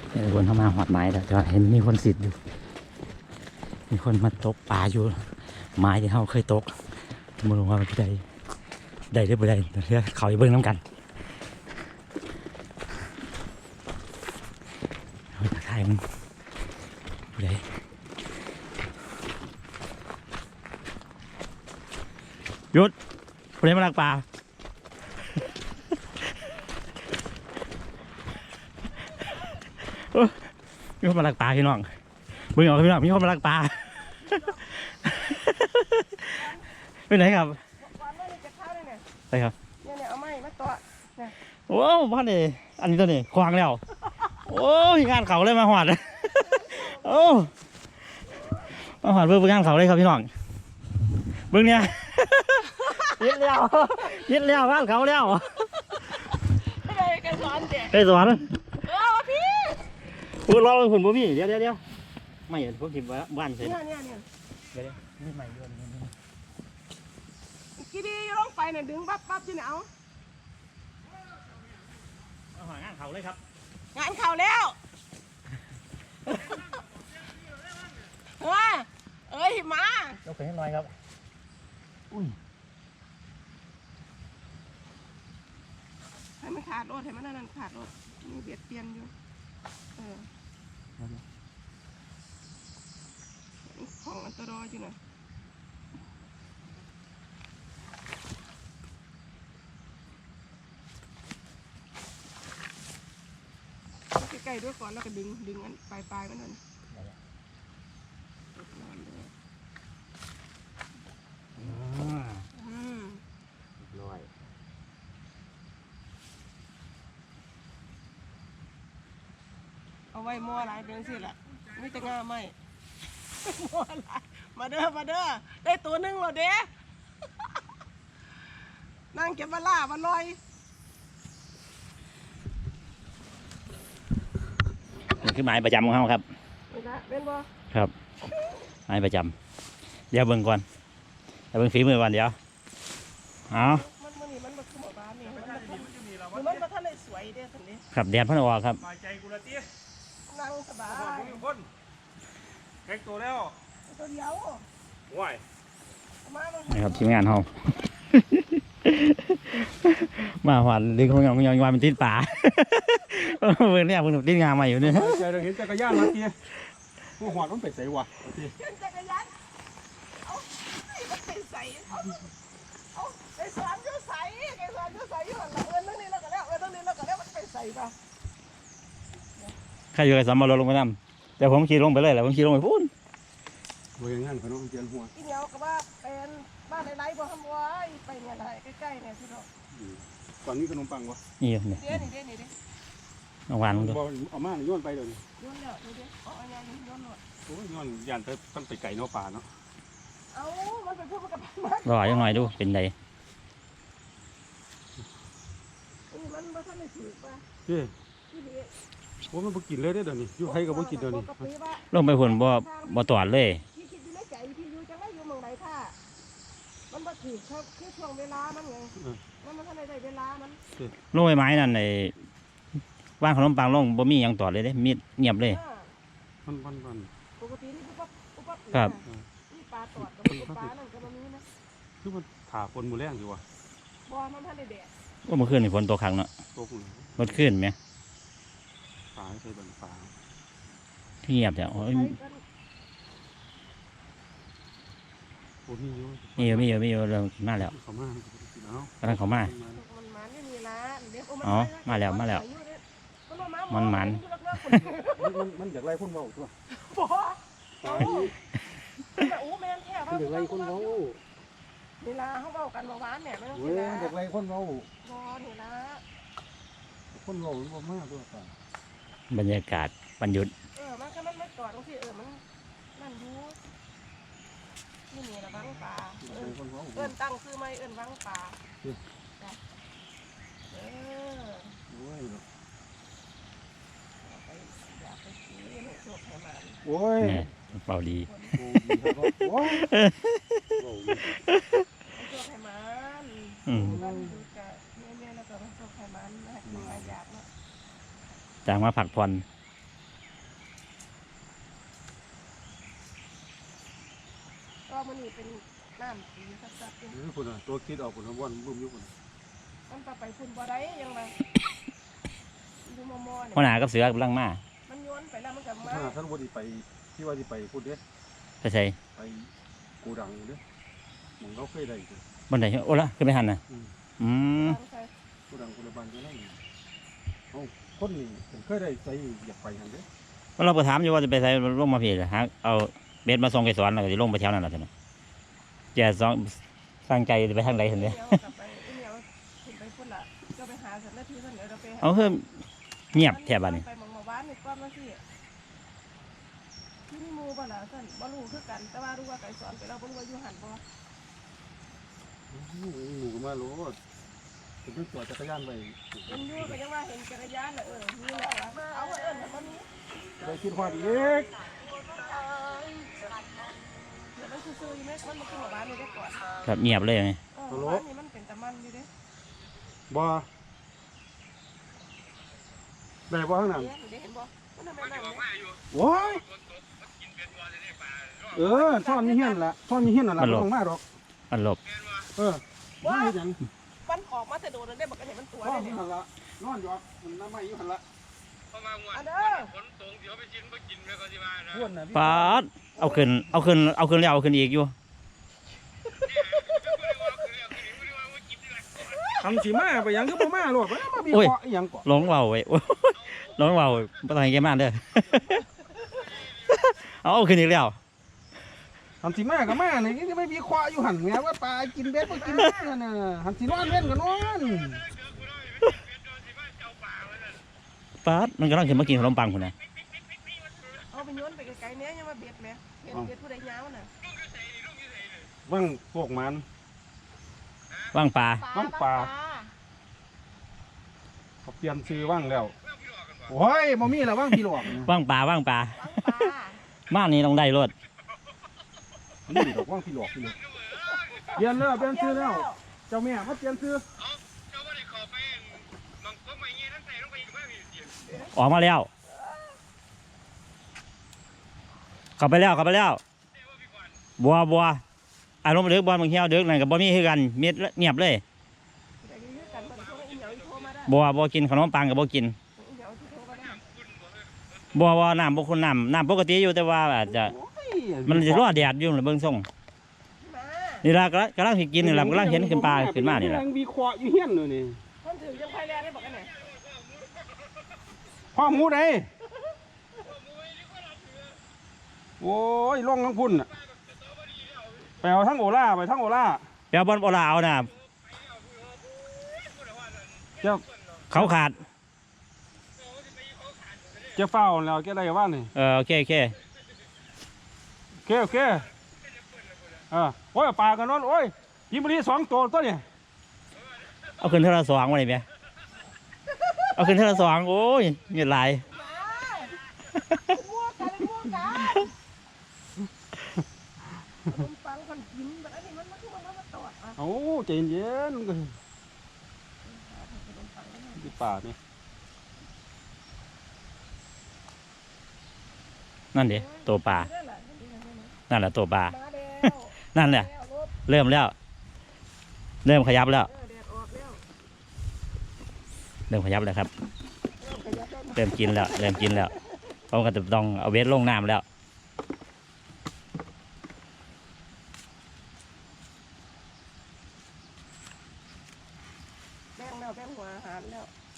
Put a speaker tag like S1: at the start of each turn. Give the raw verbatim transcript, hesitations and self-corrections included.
S1: คนเข้ามาหอดไม้แต่จะเห็นมีคนสิทธิ์อยู่มีคนมาตกปลาอยู่ไม้ที่เขาเคยตกมาลงว่ามันได้ได้ได้บ่ได้เดี๋ยวเขาไปเบิ้งน้ำกันเอาตะไคร้มันบ่ได้หยุดบ่ได้มาลักปลามีคนมาลักปลาพี่น้องเบิ่งเอาพี่น้องมีคนมาลักปลาไปไหนครับไปครับเนี่ยเนี่ยเอาไม้มาต่อโอ้บ้านนี่อันนี้ตัวนี้ควางแล้วโอ้ยงานเขาเลยมาหอดโอ้มาหอดเบิ่งงานเขาเลยครับพี่น้องเบิ่งเนี่ยยิดแล้วยิดแล้วงานเขาแล้วไปไกสอนเด็กไกสอนเออพี่พูดรอผลบ่มีเดี๋ยวเดี๋ยวเดี๋ยวไม่เห็นพวกที่บ้านเสร็จเนี่ยเนี่ยเนี่ยเดี๋ยวนี่ใหม่ด้วยกี่ดีลงไปเนี่ยดึงปั๊บปั๊บที่ไหนเอาเอาหางานเขาเลยครับงานเขาแล้วเฮ้ยเอ้ยมาเราไปให้หน่อยครับอุ้ยให้มันขาดรถให้มันนั่นขาดรถมีเบียดเปลี่ยนอยู่เออของอันตรายอยู่นะใกล้ๆด้วยก่อนแล้วก็ดึงดึงอันปลายปลายมันนั่นร้อยเอาไว้มั่วหลายเป็นสิล่ะไม่จะง่าไม่มั่วหลายมาเด้อมาเด้อได้ตัวหนึ่งแล้วเด้นั่งเก็บมาล่ามาลอยนี่คือหมายประจำของเขาครับเป็นบ่ครับหมายประจำเดี๋ยวเบิ่งก่อนเดี๋ยวเบิ่งฝีมือก่อนเดี๋ยวเอามันมันนี่มันมันคือหมู่บ้านนี่มันมันมันท่านเลยสวยเด้ท่านนี้ครับแดดพันออกครับใจกูละตี้นั่งสบายคนแข่งตัวแล้วตัวเดียวว้ายนี่ครับทีมงานเขามาหวานดึงของยองยองวานเป็นตีนป่าเมื่อนี้เพิ่งตีนงาใหม่อยู่เนี่ยใจเราเห็นจักรยานมาทีพวกหวานต้องไปใส่วะเห็นจักรยานเอามันไปใส่เอาเอาไปสอนยูใส่ไปสอนยูใส่ยูหันหลังเอิญตรงนี้แล้วก็แล้วเอิญตรงนี้แล้วก็แล้วมันไปใส่ปะใครอยู่ไอ้สามมาลงไปน้ำแต่ผมขี่ลงไปเลยแหละผมขี่ลงไปพูนโดยงั้นเขาต้องเจียนหัวอีเดียวก็ว่าเป็นบ้านไรๆบ่ทำไว้ไปเนี่ยไรใกล้ๆเนี่ยพี่น้องตอนนี้ขนมปังวะนี่เนี่ยเดี๋ยวนี่เดี๋ยวนี่เดี๋ยวเอาวานลงดูเอามาโยนไปเลยโยนแล้วเดี๋ยวเอาอันนี้โยนหมดโอ้ยโยนยันต้องไปไก่นอกป่าเนาะเอามันไปพูดกับมันรอยังหน่อยดูเป็นไงมันมันท่านไม่ถือป่ะเฮ้ยโอ้มันบ่กินเลยได้เดี๋ยวนี้อยู่ให้กับบ่กินเดี๋ยวนี้ลงไปหุ่นบ่บ่ตอดเลยพี่คิดอยู่ในใจพี่อยู่จังไรอยู่เมืองไหนท่ามันบ่ถือคือช่วงเวลามันไงมันมันท่านได้เวลามันลงไปไม้นั่นไอ้ว่างขนมปังลงบ่มีอย่างตอดเลยเด้มีดเงียบเลยมันมันมันปกตินี่ปุ๊บปุ๊บปุ๊บครับนี่ปลาตอดกับปลานั่นก็มันมีนะคือมันถาคนมือแรงอยู่วะบ่มันท่านได้แดดว่าเมื่อคืนนี่ฝนตกขังเนาะตกเลยรถขึ้นไหมฝาใส่บันฝาเงียบแต่โอ้ยมีเยอะมีเยอะมีเยอะเริ่มมาแล้วกำลังเขามาอ๋อมาแล้วมาแล้วมันมันมันอยากไล่คนเบาตัวบ่โอ้แม่นแท้ว่าอยากไล่คนเบาเวลาเขาเบากันเบาหวานเนี่ยไม่ต้องกินนะอยากไล่คนเบาบ่นี่นะคนเบาหรือว่ามากด้วยกันบรรยากาศบรรยุทธ์เออมันก็มันไม่กอดตรงที่เออมันนั่นอยู่นี่นี่ละวังปลาเอิ้นตั้งซื้อไหมเอิ้นวังปลาเออโอ้ยเป่าดีโอ้ยโอ้ยไขมันอืมเนี่ยแล้วก็มันไขมันอยากเนาะจางมาผักผ่อน
S2: น้ำสีสัดๆอยู่
S1: เออพุ่นน่ะตัวคิดออกพุ่นน่ะว่อนบึ้มอยู่พุ่น
S2: มันไปพุ่นบ่ได้ยังไงดูมอมอเนี่ย
S3: หัวหน้ากับเสือกำลังมา
S2: มันโยนไปแล้วมันกลับมา
S1: ถ้าท่านบ่ได้ไปที่ว่าสิไปพุ่นเด้
S3: ไปใส่
S1: ไปโกดังเด้หม่องเราเคยได้เด้
S3: บนไหนโอ้ละขึ้นไปหันน่ะอืม
S1: โกดังโกดังบ้านเจ้านั่นเอ้าคนนี่ผมเคยได้ใส่อยากไปหั่นเด้
S3: ว่าเราไปถามอยู่ว่าจะไปใส่ลงมาพี่หาเอาเบ็ดมาส่งไก่สอนแล้วก็จะลงไปแถวนั้นแหละท่านแกสองสร้างใจจะไปทางใดเห็นไหม เอาเพิ่มเงียบแถบบ้านนี่
S2: ไปหมองหมู่บ้านนี่ก้อนมาสิที่นี่มูบ่ล่ะท่านบ่รู้คือกันแต่ว่ารู้ว่าไก่สอนไปเราบ่รู้ว่าอยู่หันบ่
S1: หนูก็มาโลดผมไปจอดจักรยานไว้
S2: เป็นอยู่ก็ยังว่าเห็นจักรยานน่ะเออมีแหละเอาเอิ้นมันมี
S1: ได้คิดฮอดอีก
S2: เดี๋ยวมันซื่อๆอยู่แม่คนมาขึ้นหมู่บ้านนี่ได้ก่อน
S3: ครับเงียบเลยไง
S2: เออหมู่บ้านนี่มันเป็นตะมันอยู่เด้
S1: บ่ได้บ่ข้างหน้า
S2: เดี๋ยวเห็นบ่มันทำไมนั่นเนี่ย
S1: โอ้ยเออซ่อนมีเฮียนล่ะซ่อนมีเฮียนนั่นล่ะบ่ต้องมาดอก
S3: อันหลบ
S1: เออว่าเฮ็ดหยัง
S2: มันออกมาแต่โดนแล้วได้บอกกันเห็นมันตัว
S1: ซ่อ
S2: ได้
S1: นอ
S2: เนี่ย
S1: ยู่หั่นล่ะนอนอยู่มันน้ำไม้อยู่หั่นล่ะ
S2: อันเด้อ
S4: ฝนตกเดี๋ยวไปกินไปกินไปก็สิว่านะ
S1: พวนน่ะ
S3: ปาดเอาขึ้นเอาขึ้นเอาขึ้นแล้วเอาขึ้นอีกอยู่
S1: ทำสิมาไปหยังคือบ่มาโลดบ่มามีเคาะอีหยังก่อน
S3: ร้องเบาไว้โอ้ยร้องเบาบ่ต้องให้แกมาเด้อ เอาเอาขึ้นอีกแล้ว
S1: ทำสิมาก็มานี่จะไม่มีเคาะอยู่หั่นแหมว่าปลากินเบ็ดบ่กินเบ็ดนั่นน่ะทำสินอนเล่นก็นอน
S3: ปาดมันกำลังขึ้นมากินขนมปังคนน่ะ
S2: เอาไปโยนไปไกลๆเนี้ยยังมาเบียดแม่เห็นเบียดผู้ใดยาวน่ะ
S1: ว่างพวกมัน
S3: ว่างปลา
S1: ว่างปลา เขาเปลี่ยนชื่อว่างแล้วโอ้ยบ่มีแล้วว่างพี่หลอกนะ
S3: ว่างปลาว่างปลา
S2: ปลา
S3: บ้านนี้ต้องได้รถ
S1: นี่ดอกว่างพี่หลอกพี่หลอกเปลี่ยนแล้วเปลี่ยนชื่อแล้วเจ้าแม่มาเปลี่ยนชื่อ
S4: เจ้าบ่ได้เข้าไปบางคนไม่เงี้ยทั้งใส่ลงไปอีกว่ามีเสียง
S3: ออกมาแล้วเข้าไปแล้วเข้าไปแล้วบัวบัวอารมณ์เดือกบอลบางเที่ยวเดือกนั่นกับบ่มีคือกันเม็ดเงียบเลย
S2: แต่ยื้อกันคนโทรอีเหนียวอีโทรมาได้
S3: บัวบัวกินขนมปังกับบัวกิน
S2: อีเหนียวที่โทรมาได้
S3: บัวบัวน้ำบัวคุณน้ำน้ำปกติอยู่แต่ว่าอาจจะ
S1: โอ้ย
S3: มันจะรอแดดอยู่เลยเบิ่งส่ง
S2: มา
S3: นี่ละกำลังกำลังสิกินนี่ละกำลังเห็นขึ้นปลาขึ้นมานี่ละ
S1: ยังมีเคาะอยู่เฮียนเลยนี่
S2: คนถือยังไฟแรงได้บอกกันเนี่ย
S1: พ่อหมูใดโอ้ยล่องทั้งพุ่นน่ะไปเอาทั้งโอล่าไปทั้งโอล่า
S3: เดี๋ยวบอลโอลาเอาน่ะ
S1: เจ้า
S3: เขาขาด
S1: เจ้าเฝ้าแล้วแกได้ว่านี่
S3: เออโอเคโอเค
S1: โอเคโอเคเออโอ้ยปลากันนอนโอ้ยยิมบรีสองตัวตัวนี่
S3: เอาขึ้นเท่าละสองมาเลยไหมเอาขึ้นเท่าละสองโอ้ยเงียบหลาย
S2: มั่วกันมั่วกันคนฟังคนกินแบบนี้มันมันคือมันมาตอดอ่ะ
S1: โอ้ใจเย็นๆก็ที่ป่านี่
S3: นั่นเดี๋ยวตัวปลานั่นแหละตัวปลา
S2: มาแล้ว
S3: นั่นแหละ
S2: แล้วรถ
S3: เริ่มแล้ว เริ่มขยับแล้ว
S2: เออแดดออกแล้ว
S3: เริ่มขยับแล้วครับ
S2: เริ่มขยับแล้ว
S3: เริ่มกินแล้ว เริ่มกินแล้วเขาก็จะต้องเอาเวทลงน้ำแล้ว
S2: แบ่งแล้วแบ่งหัวอาหารแล้ว